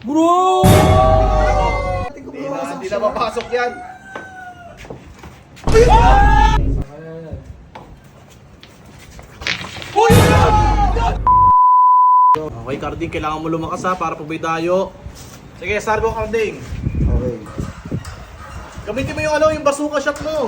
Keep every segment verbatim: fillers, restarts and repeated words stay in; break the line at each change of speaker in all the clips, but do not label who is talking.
Bro!
Hindi na, hindi na mapasok yan. Okay, Carding, kailangan mo lumakas ha para pabay tayo. Sige, Sargo, Carding.
Okay.
Gamitin mo yung ano, yung bazooka shot mo.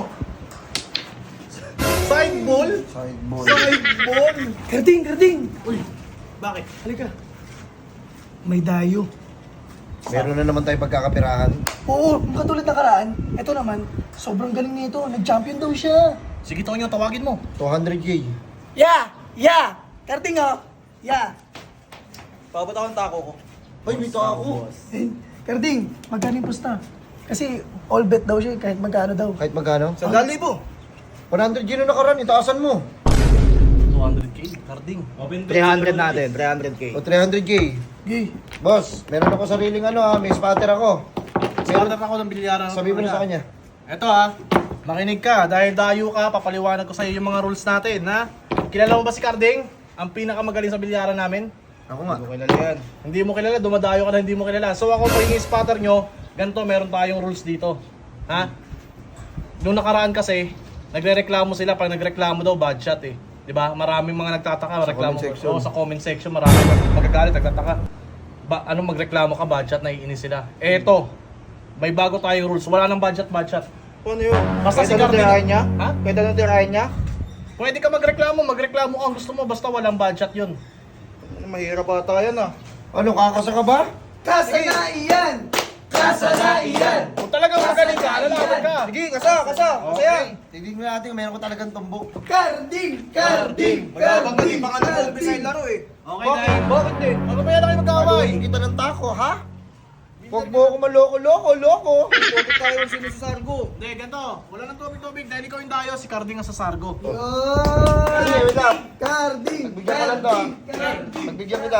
Side ball?
Side ball.
Side ball?
Karding, Karding!
Uy, bakit?
Halika. May dayo.
Meron na naman tayong pagkakapirahan.
Oo, katulad na karaan. Ito naman, sobrang galing nito. Nag-champion daw siya.
Sige, Tonyo, tawagin mo.
two hundred K.
Yeah! Yeah! Karding oh! Yeah!
Pabot ako ng tako ko.
Ay, may ako.
Eh, Karding, magkano yung pusta? Kasi all bet daw siya eh, kahit magkano daw.
Kahit magkano?
Sandal libo.
one hundred K na nakaraan, itaasan mo.
two hundred K, Carding.
three hundred natin, three hundred K.
O three hundred K.
Gay.
Boss, meron ako sariling ano ha, may spatter ako.
Starter ako ng bilyaran.
Sabi mo na sa kanya.
Eto ha, makinig ka. Dahil dayo ka, papaliwanag ko sa iyo yung mga rules natin, ha? Kilala mo ba si Carding? Ang pinakamagaling sa bilyaran namin?
Ako nga.
Hindi mo kilala yan. Hindi mo kilala, dumadayo ka na hindi mo kilala. So ako po yung spotter nyo, ganito meron tayong rules dito. Ha? Nung nakaraan kasi, nagre-reklamo sila pag nagreklamo daw bad shot eh. 'Di ba? Maraming mga nagtataka, reklamo
comment section.
Oo, sa comment section maraming mag- magagalit, nagtataka. Ba, anong magreklamo ka bad shot, naiinis sila. Eto, may bago tayong rules. Wala nang bad shot, bad shot.
Ano yun?
Basta si
Pwede na
Carding.
tirahin niya?
Ha?
Pwede na tirahin niya?
Pwede ka magreklamo, magreklamo ka ang gusto mo basta walang bad shot 'yun.
Ano, mahirap ata yan ah.
Ano, kakasa ka ba?
Kasanaian! Kasanaian!
Kung talagang magaling ka, lalaban ka.
Sige, kasa, kasa, kasa yan.
Tignan natin, meron ko talagang tumbok.
Karding! Karding!
Magabang ka din,
Karding!
baka nag-umpisa yung laro eh.
Okay,
Bakit?
dahil.
Bakit din?
Ano ba yan na kayo magkaway?
Paluin kita ng tako, ha? Huwag mo ako maloko-loko, loko.
Bakit tayo ang sino sa Sargo?
Hindi, ganito. Wala nang tubig-tubig. Dahil ikaw yung dayo, si Carding ang sa Sargo.
Sige, wait lang.
Karding!
Nagbigyan ka lang to, ha?
Karding!
Nagbigyan kita.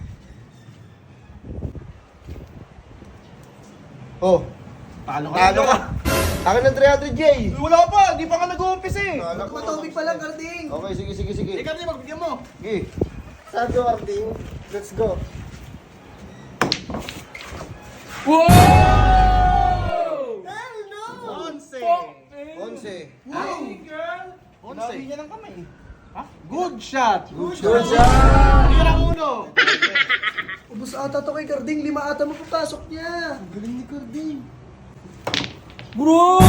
Oh,
Talo ka.
talo ka. Akin ng three hundred K.
Uy, wala pa, di pa ka nag-uumpisa eh.
Talo ko.
Matubig pa lang, Karding!
Okay, sige, sige, sige.
Eh, Carding, magbigyan mo.
Sige. Sargo, Arding. Let's go.
Onse.
Onse.
Onse.
Sinabi niya ng kamay.
Ha? Good shot.
Good shot.
Tira uno.
Ubus ata to kay Karding, lima ata mapapasok niya.
Galing ni Carding.
Bro!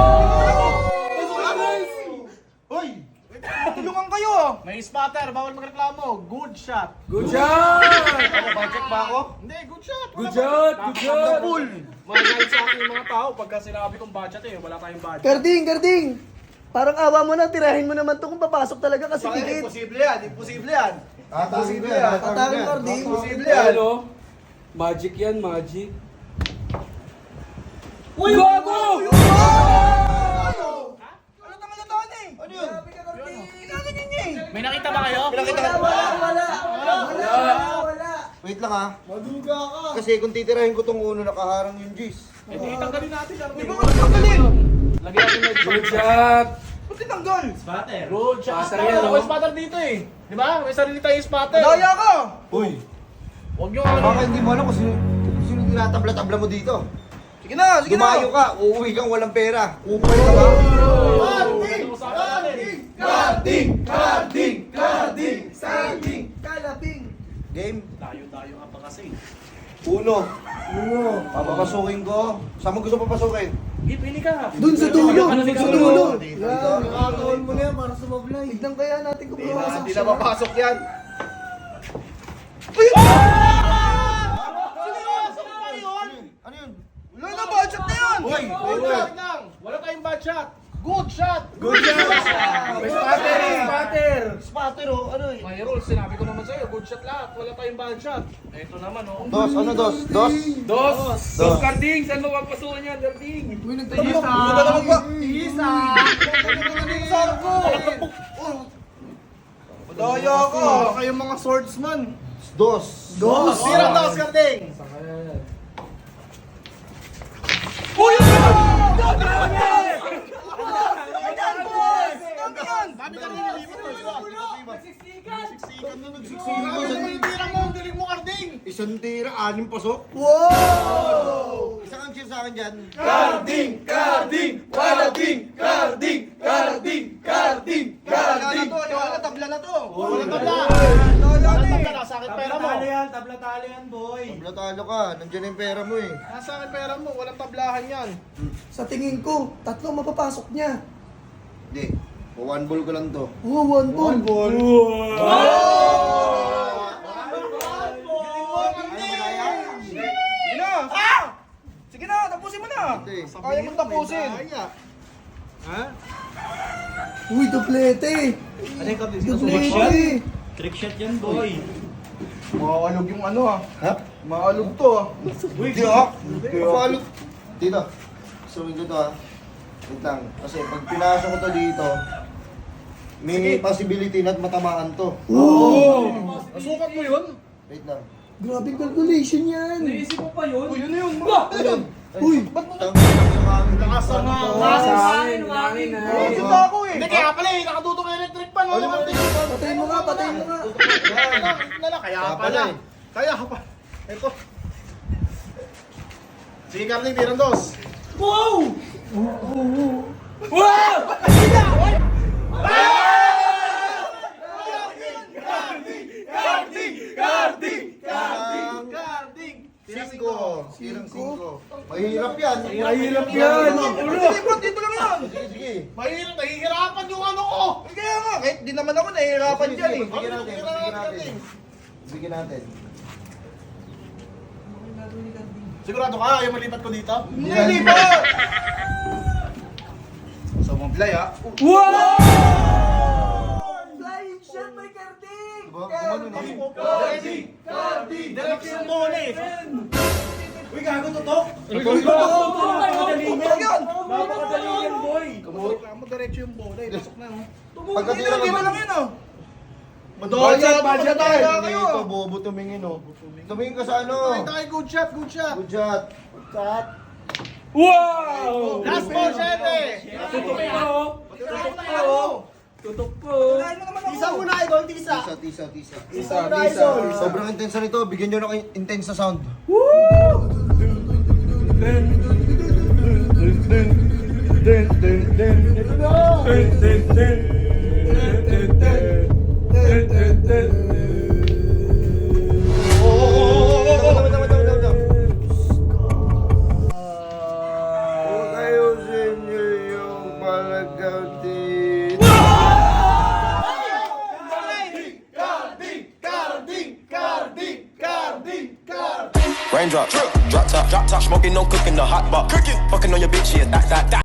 Hoy!
Tulungan kayo ah.
May spatter, bawal magreklamo. Good shot.
Good shot!
Ano, budget ba ako?
Hindi, good shot.
Good shot! Good shot!
Magalit sa akin yung mga tao pagka sinabi kong budget eh, wala tayong budget.
Karding, Karding! Parang awa mo na, tirahin mo naman to kung papasok talaga kasi
Bakit?
tigit.
Imposible yan, imposible yan.
Tatawin ko yan.
Tatawin ko, Carding.
Imposible yan.
Ano? Magic yan, magic. Uy, gago!
Ano naman na taon eh?
Ano yun?
Ginaganyan niya eh.
May nakita ba kayo?
Pinakita
Wala,
ka
wala, wala, wala, wala, wala.
Wait lang ha.
Maduga ka.
Kasi kung titirahin ko tong uno, nakaharang yung G's.
Eh, di, tanggalin natin.
Uy, bakit tanggalin?
Lagyan natin ng
Good shot!
Ba't tinanggal?
Good shot.
Spatter
Spatter
yan, oh.
May spatter dito eh. Di ba? May sarili tayong spatter.
Daya ka!
Uy!
Huwag nyo ano.
Baka hindi mo alam kung sino, sino tinatabla-tabla mo dito.
Sige na, sige na.
Dumayo ka, uuwi kang walang pera. Upay ka ba?
Carding! Carding!
Karding! Karding! Karding! Karding! Kalaping!
Game.
Tayo-tayo ka pa kasi.
Uno. Uno. Papapasukin ko. Saan mo gusto papasukin?
Hindi, pili ka.
Dun sa dulo!
Ano,
Dun sa
dito?
dulo!
Dito.
Yan, nakakawal mo na yan para sumablay. Tignan kaya natin kung
Hindi na,
pumasok
hindi
siya.
na mapasok yan.
Ano yun?
Wala na, budget na yan!
Uy!
Good shot lang. Wala tayong bad shot. Good shot.
Good shot!
May spatter eh!
Spatter! Spatter oh, ano eh?
May rules, sinabi ko naman sa'yo, good shot lahat. Wala tayong bad shot. Ito naman oh.
Dos, ano dos? Dos?
Dos!
Dos.
Dos, Karding! Saan mo papasukan yan, Karding?
Uy, nagtayis
Isa! Wala naman ba?
Isa!
Sargo! Daya ka!
Wala kayong mga swordsman.
Dos!
Dos!
Tira daw, Carding. Sabi ka nililipat mo. Siksikan na nagsiksikan. Ano yung tira mo? Ang galing mo, Carding.
Isang tira, anim pasok.
Wow!
Isang ang cheer sa akin dyan.
Carding! Carding! Carding! Carding! Carding! Carding! Carding!
Wala tabla na to.
Walang tabla.
Wala
Walang tabla, nasa akin pera mo.
Tabla talo ka. Nandiyan na yung pera mo eh.
Nasa akin pera mo, walang tablahan yan.
Sa tingin ko, tatlo mapapasok niya.
Hindi. One ball ko lang to.
Oh, one ball.
ball.
Sige na! Ah! Sige na, tapusin mo na! Kaya mo tapusin!
Ha?
Uy, duplete.
Ano yung kapit?
Duplete.
Maalog yung ano ah.
Ha?
Maalog to ah.
Hindi ah. Kapalo. Dito. Sumin ko to ah. Wait lang. Kasi pag pinasok ko to dito, may possibility na matamaan to.
Nasukat mo yun?
Wait lang.
Grabe calculation yan.
Naisip mo pa yun?
Uy, yun na yun!
Ayun.
Uy.
Lakas ang
Hangin, hangin na.
Ay, dito ako eh!
Hindi kaya pala eh, nakatutok yung electric pan. Ano ba?
Patayin mo nga, patayin mo nga.
Nala, kaya
Kaya
pala.
pala eh.
Kaya pa. Ito. Sige, Carly, tirang dos.
Wow!
Carding!
Singko. Tirang singko. Mahirap yan.
Mahirap yan!
Hindi bro, dito lang yan!
Sige, sige.
Mahirap, nahihirapan yung ano ko.
Kaya nga, kahit di naman ako nahihirapan
Sige,
dyan
sige,
eh.
Bigyan natin. Bigyan natin. Bigyan natin.
Sigurado ka, ayaw malipat ko dito?
Hindi, hindi ba? So, mablay ah.
Flying shot by Carding.
Diba? Gumano na.
Carding! Carding! Diretso yung bola eh.
Uy, gago tutok!
Napakadali
Tutok yan!
Napakadali yan, boy!
Reklamo, diretso yung bola eh. Pasok na. oh.
Pagkatira
Hindi
ka
lang yan ah.
Madaya,
Budget,
madaya
budget,
kayo.
Ito, bobo tumingin oh. Tumingin ka sa ano.
Ay, tayo, good shot, good shot.
Good shot. Good shot.
Wow!
Last ball, syete.
Tutok po! Tutok po! Tutok po!
Tisa muna, idol, tisa.
Tisa, tisa, tisa.
Isa, isa.
Sobrang intense nito. Bigyan nyo ng intense na sound. Tama, tama, tama, tama, tama. Kung kayo sa inyo yung palagaw dito.
Raindrop, drop top, drop top, smoking, no cooking, the hot pot, cooking, fucking on your bitch, yeah, that, that, that.